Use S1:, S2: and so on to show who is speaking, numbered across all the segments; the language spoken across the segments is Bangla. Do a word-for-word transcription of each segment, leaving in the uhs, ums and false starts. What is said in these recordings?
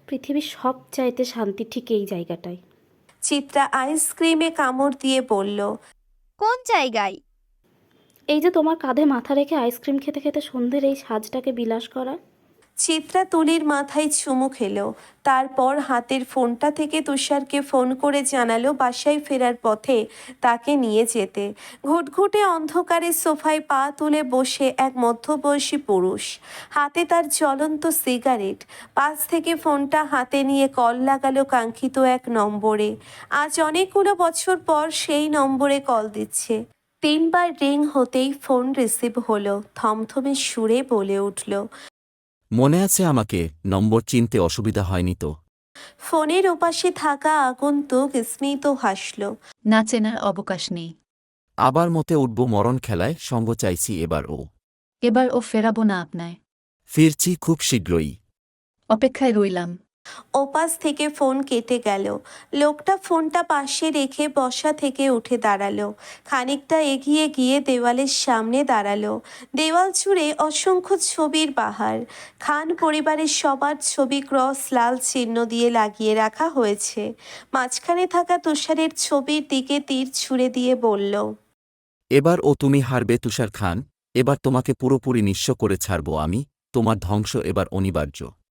S1: পৃথিবীর সবচাইতে শান্তি ঠিক এই জায়গাটায়।
S2: চিত্রা আইসক্রিমে কামড় দিয়ে বলল,
S3: কোন জায়গায়?
S1: এই যে তোমার কাঁধে মাথা রেখে আইসক্রিম খেতে খেতে সন্ধ্যের এই সাজটাকে বিলাস করা।
S2: চিত্রা তুলির মাথায় চুমু খেলো। তারপর হাতের ফোনটা থেকে তুষারকে ফোন করে জানালো বাসায় ফেরার পথে তাকে নিয়ে যেতে। ঘুটঘুটে অন্ধকারে সোফায় পা তুলে বসে এক মধ্যবয়সী পুরুষ, হাতে তার জ্বলন্ত সিগারেট। পাশ থেকে ফোনটা হাতে নিয়ে কল লাগালো কাঙ্ক্ষিত এক নম্বরে। আজ অনেকগুলো বছর পর সেই নম্বরে কল দিচ্ছে। তিনবার রিং হতেই ফোন রিসিভ হলো। থমথমে সুরে বলে উঠল,
S4: মনে আছে আমাকে? নম্বর চিনতে অসুবিধা হয়নি তো?
S2: ফোনের ওপাশে থাকা আগন্তুক স্মিত হাসল।
S5: না চেনার অবকাশ নেই।
S4: আবার মতে উঠব মরণ খেলায়, সঙ্গ চাইছি এবার ও।
S5: এবার ও ফেরাবো না আপনায়।
S4: ফিরছি খুব শীঘ্রই।
S5: অপেক্ষায় রইলাম।
S2: ওপাশ থেকে ফোন কেটে গেল। লোকটা ফোনটা পাশে রেখে বসা থেকে উঠে দাঁড়ালো। খানিকটা এগিয়ে গিয়ে দেওয়ালের সামনে দাঁড়ালো। দেওয়াল জুড়ে অসংখ্য ছবির বাহার। খান পরিবারের সবার ছবি ক্রস লাল চিহ্ন দিয়ে লাগিয়ে রাখা হয়েছে। মাঝখানে থাকা তুষারের ছবির দিকে তীর ছুঁড়ে দিয়ে বলল,
S4: এবার ও তুমি হারবে তুষার খান। এবার তোমাকে পুরোপুরি নিঃস্ব করে ছাড়ব আমি। তোমার ধ্বংস এবার অনিবার্য।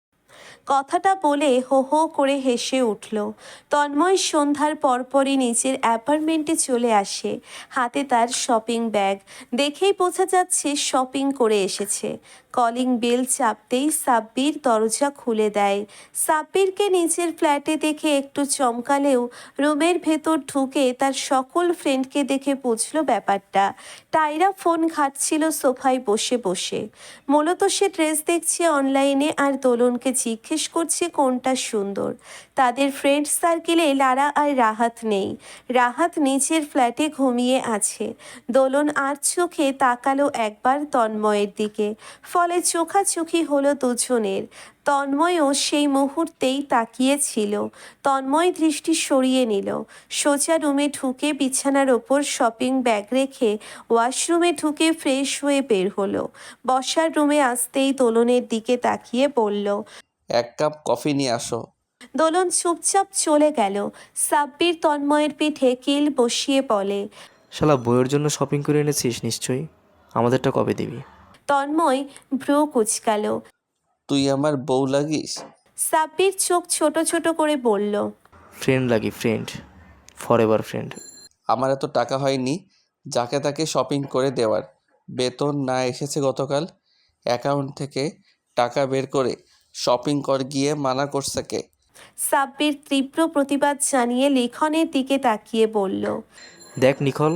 S2: কথাটা বলে হো হো করে হেসে উঠল। তন্ময় সন্ধ্যার পরপরই নিজের অ্যাপার্টমেন্টে চলে আসে। হাতে তার শপিং ব্যাগ। দেখেই বোঝা যাচ্ছে শপিং করে এসেছে। কলিং বেল চাপতেই সাব্বির দরজা খুলে দেয়। সাব্বিরকে নিজের ফ্ল্যাটে দেখে একটু চমকালেও রুমের ভেতর ঢুকে তার সকল ফ্রেন্ডকে দেখে বুঝল ব্যাপারটা। টাইরা ফোন ঘাঁটছিল সোফায় বসে বসে। মূলত সে ড্রেস দেখছে অনলাইনে আর দোলনকে জিজ্ঞেস করছে কোনটা সুন্দর। তাদের ফ্রেন্ড সার্কেলে লারা আর রাহাত নেই। রাহাত নিজের ফ্ল্যাটে ঘুমিয়ে আছে। দোলন আর চোখে তাকালো একবার তন্ময়ের দিকে, ফলে চোখাচোখি হলো দুজনের। তন্ময়ও সেই মুহূর্তেই তাকিয়েছিল। তন্ময় দৃষ্টি সরিয়ে নিল। সোজা রুমে ঢুকে বিছানার ওপর শপিং ব্যাগ রেখে ওয়াশরুমে ঢুকে ফ্রেশ হয়ে বের হলো। বসার রুমে আসতেই দোলনের দিকে তাকিয়ে বলল,
S6: এক কাপ কফি নিয়ে আসো।
S2: দোলন চুপচাপ চলে গেল। সাব্বির তন্ময়ের পিঠে কিল বসিয়ে বলে,
S7: শালা বইয়ের জন্য শপিং করে এনেছিস নিশ্চয়ই, আমাদেরটা কবে দিবি?
S2: তন্ময় ভ্রু কুচকালো।
S6: তুই আমার বউ লাগিস?
S2: সাব্বির চোখ ছোট ছোট করে বলল,
S7: ফ্রেন্ড লাগি, ফ্রেন্ড, ফর এভার ফ্রেন্ড।
S6: আমার এত টাকা হয়নি যাকে তাকে শপিং করে দেওয়ার। বেতন না এসেছে গতকাল, অ্যাকাউন্ট থেকে টাকা বের করে শপিং কর গিয়ে মানা করছে কে?
S2: সাব্বির তীব্র প্রতিবাদ জানিয়ে লিখনের দিকে তাকিয়ে বলল,
S7: দেখ নিখল,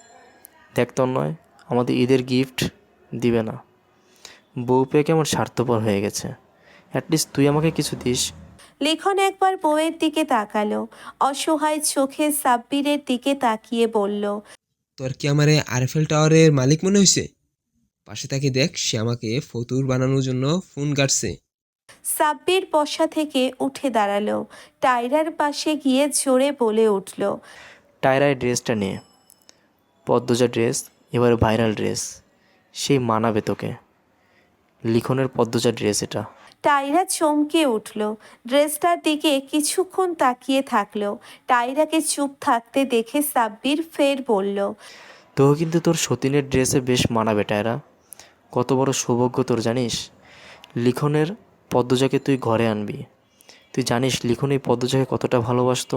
S7: দেখ তন্ময়, আমাদের ঈদের গিফট দিবে না। বউ পেয়ে কেমন স্বার্থপর হয়ে গেছে। অ্যাটলিস্ট তুই আমাকে কিছু দিস।
S2: লিখন একবার বউয়ের দিকে তাকালো। অসহায় চোখে সাব্বিরের দিকে তাকিয়ে বলল,
S8: তোর কি আমারে আরএফএল টাওয়ারের মালিক মনে হয়েছে? পাশে তাকে দেখ, সে আমাকে ফতুর বানানোর জন্য ফোন কাটছে।
S2: সাব্বির বসা থেকে উঠে দাঁড়ালো। টায়রার পাশে গিয়ে জোরে বলে উঠল,
S7: টায়রায় ড্রেসটা নিয়ে, পদ্মজা ড্রেস, এবার ভাইরাল ড্রেস, সেই মানাবে তোকে। লিখনের পদ্মজা ড্রেস এটা।
S2: টায়রা চমকে উঠল। ড্রেসটার দিকে কিছুক্ষণ তাকিয়ে থাকলো। টায়রাকে চুপ থাকতে দেখে সাব্বির ফের বলল,
S7: তো কিন্তু তোর সতীনের ড্রেসে বেশ মানাবে টায়রা। কত বড় সৌভাগ্য তোর জানিস? লিখনের পদ্মজাকে তুই ঘরে আনবি। তুই জানিস লিখন এই পদ্মজাকে কতটা ভালোবাসতো?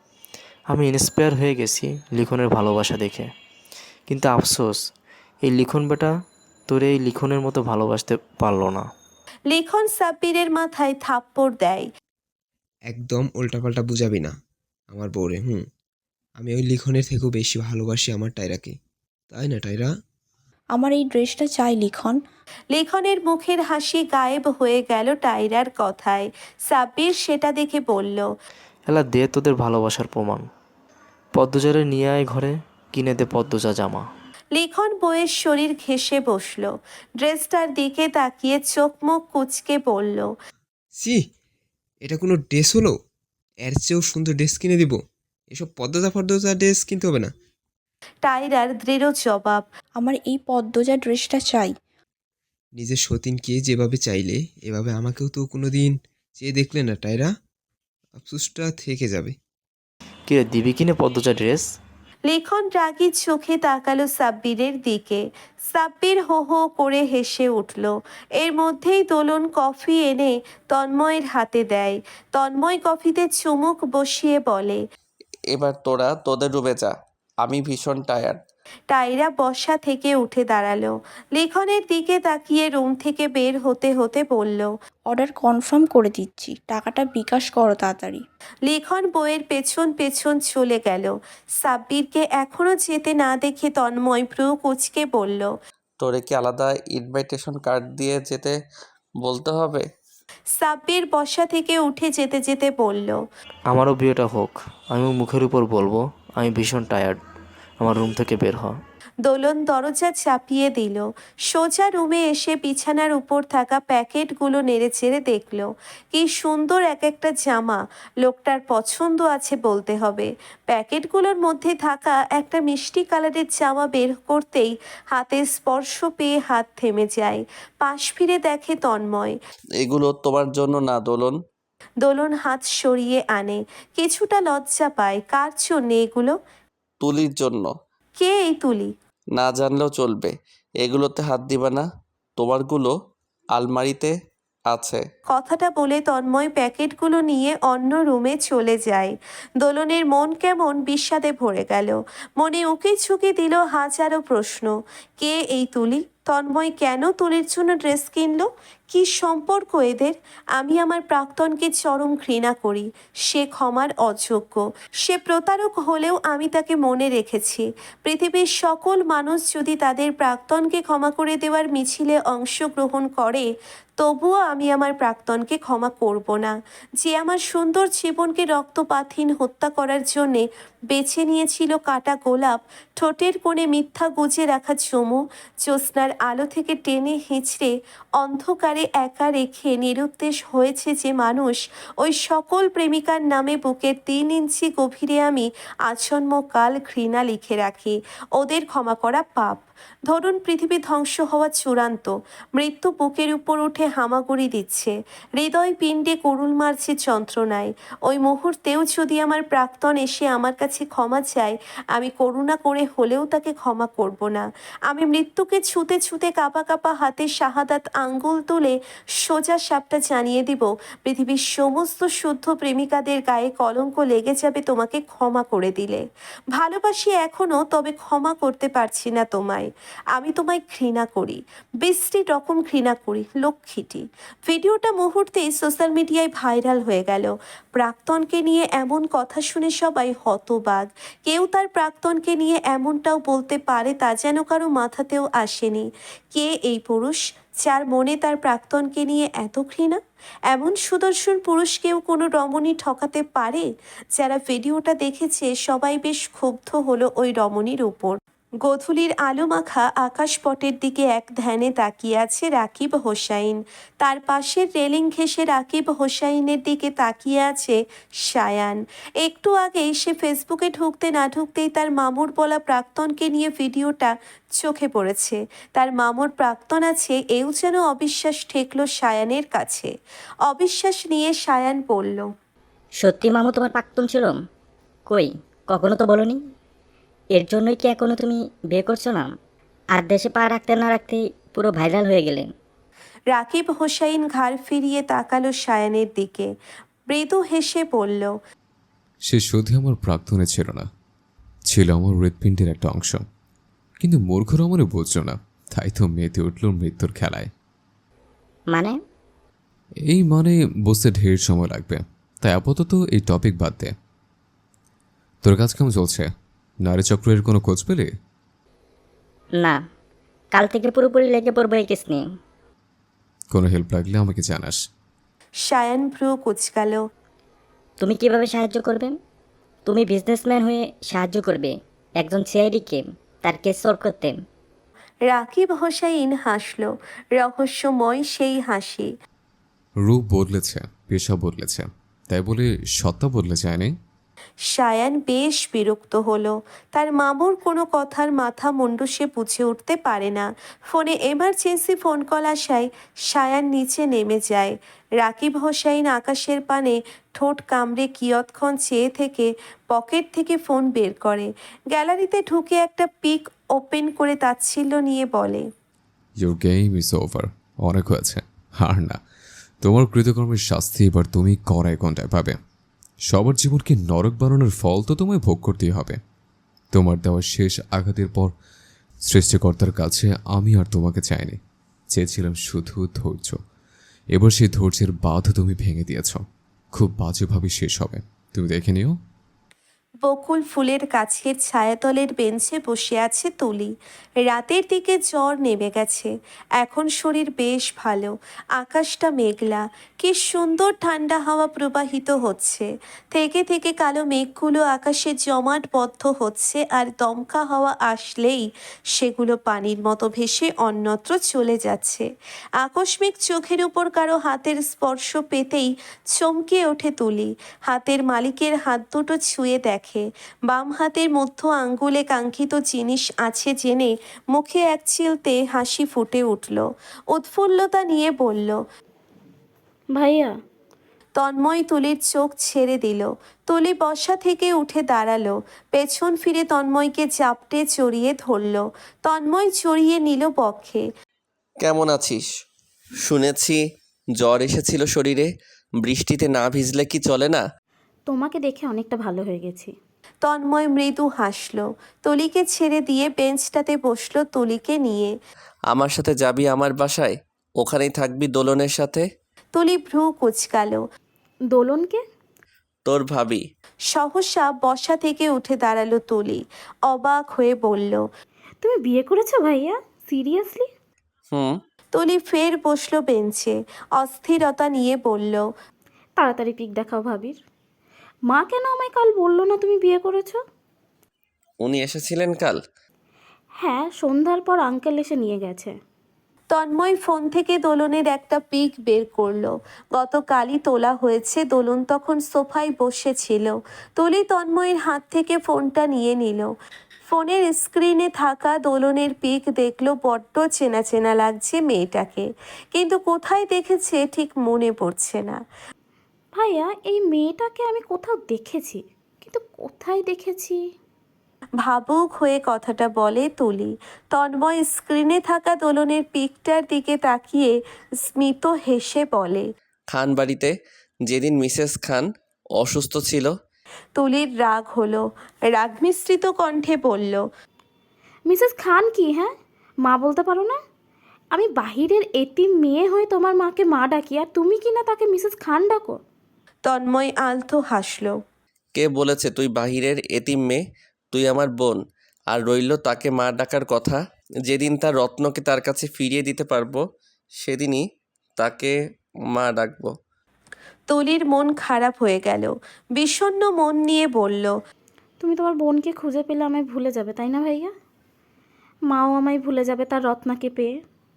S7: আমি ইন্সপায়ার হয়ে গেছি লিখনের ভালোবাসা দেখে। কিন্তু আফসোস, এই লিখন বেটা তোর এই লিখনের মতো ভালোবাসতে পারলো না।
S2: লিখন সাব্বিরের মাথায় থাপ্পড় দেয়।
S8: একদম উল্টাপাল্টা বুঝাবি না আমার বউরে। হুম আমি ওই লিখনের থেকেও বেশি ভালোবাসি আমার টায়রাকে, তাই না টায়রা?
S9: আমার এই ড্রেসটা চাই লিখন।
S2: লিখনের মুখের হাসি গায়েব হয়ে গেল টায়রার কথায়। সাব্বির সেটা দেখে বলল,
S7: এলা দে তোদের ভালোবাসার প্রমাণ। পদ্মজারে নিয়ে আয় ঘরে, কিনে দে পদ্মজা জামা।
S2: লিখন বইয়ের শরীর ঘেঁষে বসল। ড্রেসটার দিকে তাকিয়ে চোখ মুখ কুচকে বলল,
S8: সি, এটা কোনো ড্রেস হলো? এর চেয়েও সুন্দর ড্রেস কিনে দিব। এসব পদ্মজা ফদ্মজা ড্রেস কিনতে হবে না।
S2: টায়রার দৃঢ় জবাব।
S9: আমার এই পদ্মজা ড্রেসটা চাই।
S8: নিজের সতীনকে যেভাবে চাইলে, এভাবে আমাকেও তো কোনো দিন যে দেখলে না টায়রা, আফসোসটা থেকে যাবে।
S7: কিরে দিবি কিনে পদ্মজা ড্রেস?
S2: লিখন রাগী চোখে তাকালো সাব্বিরের দিকে। সাব্বির হো হো করে হেসে উঠল। এর মধ্যেই দোলন কফি এনে তন্ময়ের হাতে দেয়। তন্ময় কফিতে চুমুক বসিয়ে বলে,
S6: এবার তোরা তোদের রুমে যা, আমি ভীষণ টায়ার্ড।
S2: টায়রা বসা থেকে উঠে দাঁড়ালো। লিখনের দিকে তাকিয়ে রুম থেকে বের হতে হতে বলল,
S9: অর্ডার কনফার্ম করে দিচ্ছি, টাকাটা বিকাশ করো তাড়াতাড়ি।
S2: লিখন বইয়ের পেছন পেছন চলে গেল। সাব্বিরকে এখনো যেতে না দেখে তন্ময় ভ্রু কুচকে বলল,
S6: তোরে কি আলাদা ইনভাইটেশন কার্ড দিয়ে যেতে বলতে হবে?
S2: সাব্বির বসা থেকে উঠে যেতে যেতে বলল,
S7: আমারও বিয়েটা হোক, আমিও মুখের উপর বলবো আমি ভীষণ টায়ার্ড, আমার রুম থেকে বের হ।
S2: দোলন দরজা চাপিয়ে দিল। সোজা রুমে এসে বিছানার উপর থাকা প্যাকেটগুলো নেড়েচেড়ে দেখল। কি সুন্দর এক একটা জামা, লোকটার পছন্দ আছে বলতে হবে। প্যাকেটগুলোর মধ্যে থাকা একটা মিষ্টি কালারের জামা বের করতেই হাতের স্পর্শ পেয়ে হাত থেমে যায়। পাশ ফিরে দেখে তন্ময়।
S6: এগুলো তোমার জন্য না দোলন।
S2: দোলন হাত সরিয়ে আনে, কিছুটা লজ্জা পায়। কার জন্যে এগুলো?
S6: তুলির জন্য।
S2: কে এই তুলি?
S6: না জানলেও চলবে, এগুলোতে হাত দিবা না, তোমারগুলো আলমারিতে আছে।
S2: কথাটা বলে তন্ময় প্যাকেটগুলো নিয়ে অন্য রুমে চলে যায়। দোলনের মন কেমন বিষাদে ভরে গেল। মনে উকি ঝুঁকি দিল হাজারো প্রশ্ন। কে এই তুলি? তন্ময় কেন তুলির জন্য ড্রেস কিনলো? কি সম্পর্ক এদের? আমি আমার প্রাক্তনকে চরম ঘৃণা করি। সে ক্ষমার অযোগ্য। সে প্রতারক হলেও আমি তাকে মনে রেখেছি। পৃথিবীর সকল মানুষ যদি তাদের প্রাক্তনকে ক্ষমা করে দেওয়ার মিছিলে অংশগ্রহণ করে, তবুও আমি আমার প্রাক্তনকে ক্ষমা করব না। যে আমার সুন্দর জীবনকে রক্তপাতহীন হত্যা করার জন্যে বেছে নিয়েছিল কাটা গোলাপ, ঠোঁটের কোণে মিথ্যা গুজে রাখা চুমু, জ্যোৎস্নার আলো থেকে টেনে হিঁচড়ে অন্ধকারে একা রেখে নিরুদ্দেশ হয়েছে যে মানুষ, ওই সকল প্রেমিকার নামে বুকের তিন ইঞ্চি গভীরে আমি আজন্মকাল ঘৃণা লিখে রাখি। ওদের ক্ষমা করা পাপ। ধরুন পৃথিবী ধ্বংস হওয়া চূড়ান্ত, মৃত্যু বুকের উপর উঠে হামাগুড়ি দিচ্ছে, হৃদয় পিণ্ডে কুরুল মারছে যন্ত্রণায়। ওই মুহূর্তেও যদি আমার প্রাক্তন এসে আমার কাছে ক্ষমা চায়, আমি করুণা করে হলেও তাকে ক্ষমা করব না। আমি মৃত্যুকে ছুতে ছুতে কাঁপা কাঁপা হাতে শাহাদাত আঙ্গুল তুলে সোজা সাপটা জানিয়ে দিব, পৃথিবীর সমস্ত শুদ্ধ প্রেমিকাদের গায়ে কলঙ্ক লেগে যাবে তোমাকে ক্ষমা করে দিলে। ভালোবাসি এখনও, তবে ক্ষমা করতে পারছি না তোমায়। আমি তোমায় ঘৃণা করি, বিশ্রী রকম ঘৃণা করি, লক্ষ্মীটি। ভিডিওটা মুহূর্তেই সোশ্যাল মিডিয়ায় ভাইরাল হয়ে গেল। প্রাক্তনকে নিয়ে এমন কথা শুনে সবাই হতবাক। কেউ তার প্রাক্তনকে নিয়ে এমনটাও বলতে পারে তা যেন কারো মাথাতেও আসেনি। কে এই পুরুষ যার মনে তার প্রাক্তনকে নিয়ে এত ঘৃণা? এমন সুদর্শন পুরুষকেও কোনো রমণী ঠকাতে পারে? যারা ভিডিওটা দেখেছে সবাই বেশ ক্ষুব্ধ হলো ওই রমণীর উপর। গোধূলির আলো মাখা আকাশপটের দিকে এক ধ্যানে তাকিয়ে আছে রাকিব হোসাইন। তার পাশের রেলিং ঘেঁষে রাকিব হোসাইনের দিকে তাকিয়ে আছে সায়ান। একটু আগেই সে ফেসবুকে ঢুকতে না ঢুকতেই তার মামুর বলা প্রাক্তনকে নিয়ে ভিডিওটা চোখে পড়েছে। তার মামুর প্রাক্তন আছে এও যেন অবিশ্বাস ঠেকল সায়ানের কাছে। অবিশ্বাস নিয়ে সায়ান বলল,
S10: সত্যি মামু তোমার প্রাক্তন ছিল? কই, কখনো তো বলনি। এর জন্যই কি এখনো তুমি বিয়ে করছো না? আর দেশে পা রাখতে না রাখতেই পুরো ভাইরাল হয়ে গেলেন।
S2: রাকিব হোসাইন ঘাড় ফিরিয়ে তাকালো সায়ানের দিকে, মৃদু হেসে বলল,
S11: সে শুধু আমার প্রাক্তনে ছিল না, ছিল আমার হৃৎপিণ্ডের একটা অংশ। কিন্তু মূর্খরা মনে বুঝল না, তাই তো মেতে উঠল মৃত্যুর খেলায়।
S10: মানে?
S11: এই মানে বুঝতে ঢের সময় লাগবে, তাই আপাতত এই টপিক বাদ দে। তোর কাজ কেমন চলছে? নারী চক্রের কোনো খোঁজ পেলে?
S10: না, কাল থেকে পুরোপুরি লেগে পড়বো এই কেস নিয়ে।
S11: কোনো হেল্প লাগলে আমাকে জানাস।
S2: সায়ান ভ্রু কুচকাল।
S10: তুমি কিভাবে সাহায্য করবে? তুমি বিজনেসম্যান হয়ে সাহায্য করবে একজন সিআইডিকে তার কেস সলভ করতে?
S2: রাকিব হোসাইন হাসল, রহস্যময় সেই হাসি।
S11: রূপ বদলেছে, পেশা বদলেছে, তাই বলে সত্তা বদলে যায়নি।
S2: সায়ান বেশ বিরক্ত হলো। তার মামুর কোনো কথার মাথা মুন্ডু সে বুঝে উঠতে পারে না। ফোনে এমার্জেন্সি ফোন কল আসায় সায়ান নিচে নেমে যায়। রাকিব হোসাইন আকাশের পানে ঠোঁট কামড়ে কিয়ৎক্ষণ চেয়ে থেকে পকেট থেকে ফোন বের করে। গ্যালারিতে ঢুকে একটা পিক ওপেন করে তাচ্ছিল্য নিয়ে বলে,
S11: ইউর গেম ইজ ওভার। অনেক হয়েছে, আর না। তোমার কৃতকর্মের শাস্তি এবার তুমি কড়াই ঘন্টায় পাবে। সবার জীবনকে নরক বানানোর ফল তো তোমায় ভোগ করতেই হবে। তোমার দেওয়া শেষ আঘাতের পর সৃষ্টিকর্তার কাছে আমি আর তোমাকে চাইনি, চেয়েছিলাম শুধু ধৈর্য। এবার সেই ধৈর্যের বাঁধ তুমি ভেঙে দিয়েছ। খুব বাজেভাবে শেষ হবে, তুমি দেখে নিও।
S2: বকুল ফুলের গাছের ছায়াতলের বেঞ্চে বসে আছে তুলি। রাতের দিকে জ্বর নেমে গেছে। এখন শরীর বেশ ভালো। আকাশটা মেঘলা, কি সুন্দর ঠান্ডা হাওয়া প্রবাহিত হচ্ছে। থেকে থেকে কালো মেঘগুলো আকাশে জমাটবদ্ধ হচ্ছে, আর দমকা হাওয়া আসলেই সেগুলো পানির মতো ভেসে অন্যত্র চলে যাচ্ছে। আকস্মিক চোখের উপর কারো হাতের স্পর্শ পেতেই চমকে ওঠে তুলি। হাতের মালিকের হাত দুটো ছুঁয়ে দেখে বাম হাতের মধ্য আঙ্গুলে কাঙ্ক্ষিত জিনিস আছে জেনে মুখে এক চিলতে হাসি ফুটে উঠল। উৎফুল্লতা নিয়ে বলল,
S1: ভাইয়া।
S2: তন্ময় তুলির চোখ ছেড়ে দিল। তুলি বসা থেকে উঠে দাঁড়ালো। পেছন ফিরে তন্ময়কে চাপটে চড়িয়ে ধরল। তন্ময় চড়িয়ে নিল বক্ষে।
S6: কেমন আছিস? শুনেছি জ্বর এসেছিল শরীরে, বৃষ্টিতে না ভিজলে কি চলে না?
S1: তোমাকে দেখে অনেকটা ভালো হয়ে গেছি।
S2: তন্ময় মৃদু হাসল। তুলিকে ছেড়ে দিয়ে বেঞ্চটাতে বসলো তুলিকে নিয়ে।
S6: আমার সাথে যাবি আমার বাসায়? ওখানেই থাকবি দোলনের সাথে?
S2: তুলি ভ্রু কুচকালো।
S1: দোলনকে?
S6: তোর ভাবি।
S2: সহসা বসা থেকে উঠে দাঁড়ালো তুলি। অবাক হয়ে বলল,
S1: তুমি বিয়ে করেছো ভাইয়া? সিরিয়াসলি?
S6: হুম।
S2: তুলি ফের বসলো বেঞ্চে। অস্থিরতা নিয়ে বলল,
S1: তাড়াতাড়ি পিক দেখাও ভাবির। মা কেন আমায় কাল বললো না তুমি বিয়ে করেছো?
S6: উনি এসেছিলেন কাল?
S1: হ্যাঁ, সন্ধ্যার পর আঙ্কেল এসে নিয়ে গেছে।
S2: তন্ময় ফোন থেকে দোলনের একটা পিক বের করলো। গতকালই তোলা হয়েছে। দোলন তখন সোফায় বসেছিল। তুলি তন্ময়ের হাত থেকে ফোনটা নিয়ে নিল। ফোনের স্ক্রিনে থাকা দোলনের পিক দেখলো। বড্ড চেনা চেনা লাগছে মেয়েটাকে, কিন্তু কোথায় দেখেছে ঠিক মনে পড়ছে না।
S1: ভাইয়া, এই মেয়েটাকে আমি কোথাও দেখেছি, কিন্তু কোথায় দেখেছি?
S2: ভাবুক হয়ে কথাটা বলে তুলি। তন্ময় স্ক্রিনে থাকা দোলনের পিকটার দিকে তাকিয়ে স্মিত হেসে বলে,
S6: খান বাড়িতে, যেদিন মিসেস খান অসুস্থ ছিল।
S2: তুলির রাগ হলো। রাগ মিশ্রিত কণ্ঠে বলল,
S1: মিসেস খান কি? হ্যাঁ, মা বলতে পারো না? আমি বাহিরের এতিম মেয়ে হয়ে তোমার মাকে মা ডাকি, আর তুমি কি না তাকে মিসেস খান ডাকো?
S2: তন্ময় আলতো হাসলো।
S6: কে বলেছে তুই বাহিরের এতিম মেয়ে? তুই আমার বোন। আর রইল তাকে মা ডাকার কথা, যেদিন তার রত্নকে তার কাছে ফিরিয়ে দিতে পারবো সেদিনই তাকে মা ডাকবো।
S2: তুলির মন খারাপ হয়ে গেল। বিষণ্ণ মন নিয়ে বলল,
S1: তুমি তোমার বোনকে খুঁজে পেলে আমায় ভুলে যাবে, তাই না ভাইয়া? মাও আমায় ভুলে যাবে তার রত্নাকে পেয়ে।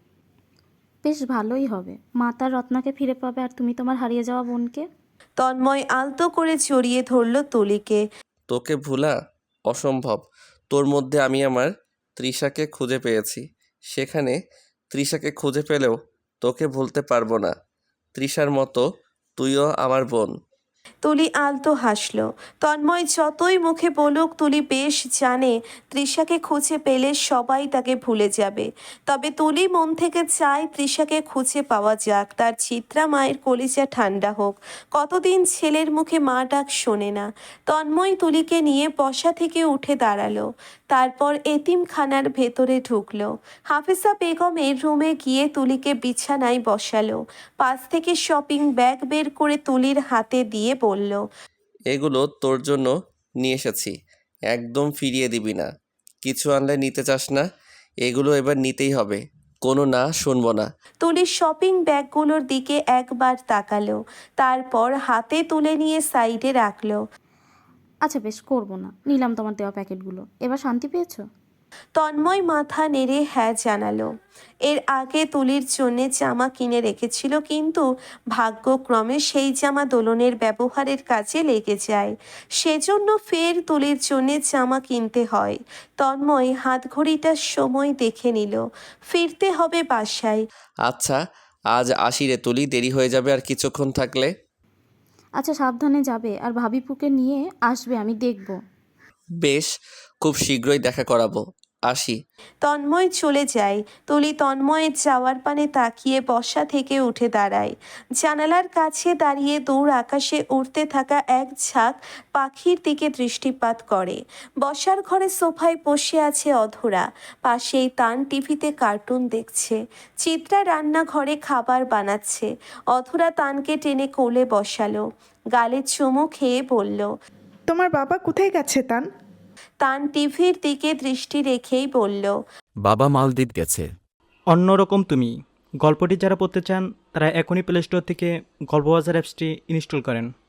S1: বেশ ভালোই হবে, মা তার রত্নাকে ফিরে পাবে, আর তুমি তোমার হারিয়ে যাওয়া বোনকে।
S2: তন্ময় আলতো করে জড়িয়ে ধরল তুলিকে।
S6: তোকে ভুলা অসম্ভব। তোর মধ্যে আমি আমার তৃষাকে খুঁজে পেয়েছি। সেখানে তৃষাকে খুঁজে পেলেও তোকে ভুলতে পারবো না। তৃষার মতো তুইও আমার বোন।
S2: তুলি আলতো হাসল। তন্ময় যতই মুখে বলুক, তুলি বেশ জানে তৃষাকে খুঁজে পেলে সবাই তাকে ভুলে যাবে। তবে তুলি মন থেকে চায় তৃষাকে খুঁজে পাওয়া যাক, তার চিত্রা মায়ের কলিজা ঠান্ডা হোক। কতদিন ছেলের মুখে মা ডাক শোনে না। তন্ময় তুলিকে নিয়ে বসা থেকে উঠে দাঁড়ালো। তারপর এতিমখানার ভেতরে ঢুকলো। হাফিজা বেগমের রুমে গিয়ে তুলিকে বিছানায় বসালো। পাশ থেকে শপিং ব্যাগ বের করে তুলির হাতে দিয়ে বলল,
S6: এগুলো তোর জন্য নিয়ে এসেছি, একদম ফিরিয়ে দিবি না। কিছু আনলে নিতে চাস না, এগুলো এবার নিতেই হবে, কোনো না শুনবো না।
S2: তুলি শপিং ব্যাগগুলোর দিকে একবার তাকালো, তারপর হাতে তুলে নিয়ে সাইডে রাখলো।
S1: আচ্ছা বেশ, করবো না, নিলাম তোমার দেওয়া প্যাকেটগুলো। এবার শান্তি পেয়েছো?
S2: তন্ময় মাথা নেড়ে হ্যাঁ জানালো। এর আগে তুলির জন্যে জামা কিনে রেখেছিল, কিন্তু ভাগ্যক্রমে সেই জামা দোলনের ব্যবহারের কাজে লেগে যায়। সেজন্য ফের তুলির জন্যে জামা কিনতে হয়। তন্ময় হাতঘড়িটার সময় দেখে নিল, ফিরতে হবে বাসায়।
S6: আচ্ছা আজ আসি রে তুলি, দেরি হয়ে যাবে আর কিছুক্ষণ থাকলে।
S1: আচ্ছা সাবধানে যাবে, আর ভাবিপুকে নিয়ে আসবে, আমি দেখব।
S6: বেশ, খুব শীঘ্রই দেখা করাবো, আসি।
S2: তন্ময় চলে যায়। তুলি তন্ময়ের যাওয়ার পানে তাকিয়ে বসা থেকে উঠে দাঁড়ায়। জানালার কাছে দাঁড়িয়ে দূর আকাশে উড়তে থাকা এক ঝাঁক পাখির দিকে দৃষ্টিপাত করে। বসার ঘরে সোফায় বসে আছে অধরা, পাশেই তান টিভিতে কার্টুন দেখছে। চিত্রা রান্নাঘরে খাবার বানাচ্ছে। অধরা তানকে টেনে কোলে বসালো, গালে চুমু খেয়ে বলল,
S12: তোমার বাবা কোথায় গেছে তান?
S2: তান টিভির দিকে দৃষ্টি রেখেই বলল,
S4: বাবা মালদ্বীপ গেছে।
S13: অন্যরকম তুমি। গল্পটি যারা পড়তে চান তারা এখনই প্লে স্টোর থেকে গল্পবাজার অ্যাপসটি ইনস্টল করেন।